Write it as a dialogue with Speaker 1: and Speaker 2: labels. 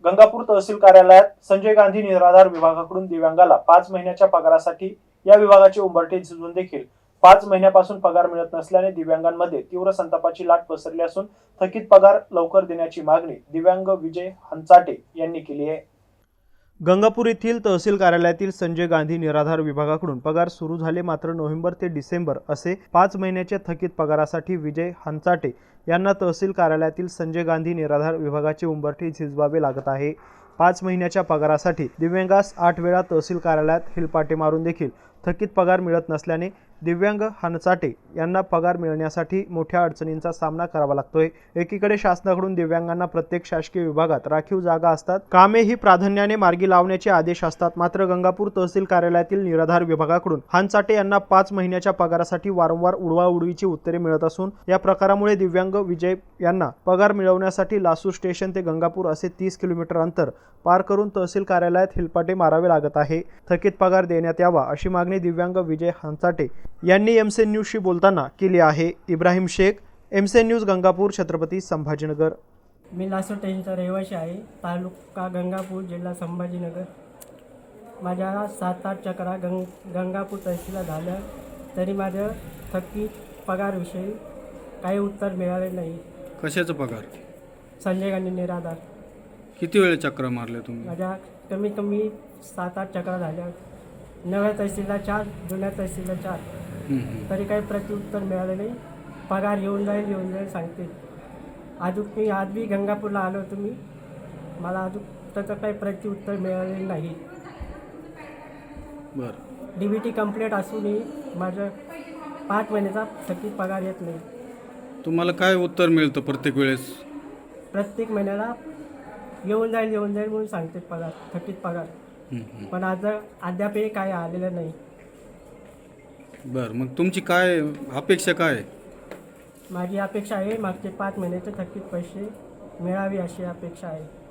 Speaker 1: गंगापूर तहसील कार्यालयात संजय गांधी निराधार विभागाकडून दिव्यांगाला 5 महिन्याच्या पगारासाठी या विभागाचे उंबरठे झिजून देखील 5 महिन्यापासून पगार मिळत नसल्याने दिव्यांगांमध्ये तीव्र संतापाची लाट पसरली असून थकीत पगार लवकर देण्याची मागणी दिव्यांग विजय हंचाटे यांनी केली आहे। गंगापूर येथील तहसील कार्यालयातील संजय गांधी निराधार विभागाकडून पगार सुरू झाले, मात्र नोव्हेंबर ते डिसेंबर असे 5 महिन्याच्या थकीत पगारासाठी विजय हंचाटे यांना तहसील कार्यालयातील संजय गांधी निराधार विभागाचे उंबरठे झिजवावे लागत आहे। 5 महिन्याच्या पगारासाठी दिव्यांगास 8 वेळा तहसील कार्यालयात हिलपाटे मारून देखील थकीत पगार मिळत नसल्याने दिव्यांग हंचाटे यांना पगार मिळण्यासाठी मोठ्या अडचणींचा सामना करावा लागतोय। एकीकडे शासनाकडून दिव्यांगांना प्रत्येक शासकीय विभागात राखीव जागा असतात, कामे ही प्राधान्याने मार्गी लावण्याचे आदेश असतात, मात्र गंगापूर तहसील कार्यालयातील निराधार विभागाकडून हंचाटे यांना 5 महिन्याच्या पगारासाठी वारंवार उडवाउडवीची उत्तरे मिळत असून या प्रकारामुळे दिव्यांग विजय यांना पगार मिळवण्यासाठी लासूर स्टेशन ते गंगापूर असे 30 किलोमीटर अंतर पार करून तहसील कार्यालयात हिलपाटे मारावे लागत आहे। थकीत पगार देण्यात यावा अशी मागणी दिव्यांग विजय हंचाटे यांनी एमसी न्यूजशी बोलताना केली आहे। Ibrahim Shaikh, MC news, Gangapur, Chhatrapati Sambhajinagar.
Speaker 2: मी लासूर स्टेशनचा रहिवासी आहे, तालुका गंगापूर, जिल्हा संभाजीनगर। माझ्या 7-8 चक्रा गंगापूर तहसीलला झाल्या तरी माझ्या थकीत पगारविषयी काही उत्तर मिळाले नाही।
Speaker 3: कशाचा पगार?
Speaker 2: संजय गांधी निराधार।
Speaker 3: किती वेळ चक्र मारले तुम्ही?
Speaker 2: माझ्या कमीत कमी 7-8 चक्रा झाल्या। नव्या तहसीलला 4, जुन्या तहसीलला 4, तरी काही प्रत्युत्तर मिळाले नाही। पगार येऊन जाईल सांगते। मी आज बी गंगापूरला आलो होतो, मला अजून त्याचं काही प्रत्युत्तर मिळालेलं नाही।
Speaker 3: बरं,
Speaker 2: DBT कंप्लीट असूनही माझं 5 महिन्याचा थकीत पगार येत नाही।
Speaker 3: तुम्हाला काय उत्तर मिळतं प्रत्येक वेळेस?
Speaker 2: प्रत्येक महिन्याला येऊन जाईल म्हणून सांगते पगार, थकीत पगार, पण आज अद्यापही काय आलेलं नाही।
Speaker 3: बरं, मग तुमची काय अपेक्षा काय आहे?
Speaker 2: माझी अपेक्षा आहे मागचे 5 महिन्याचे थकीत पैसे मिळावे अशी अपेक्षा आहे।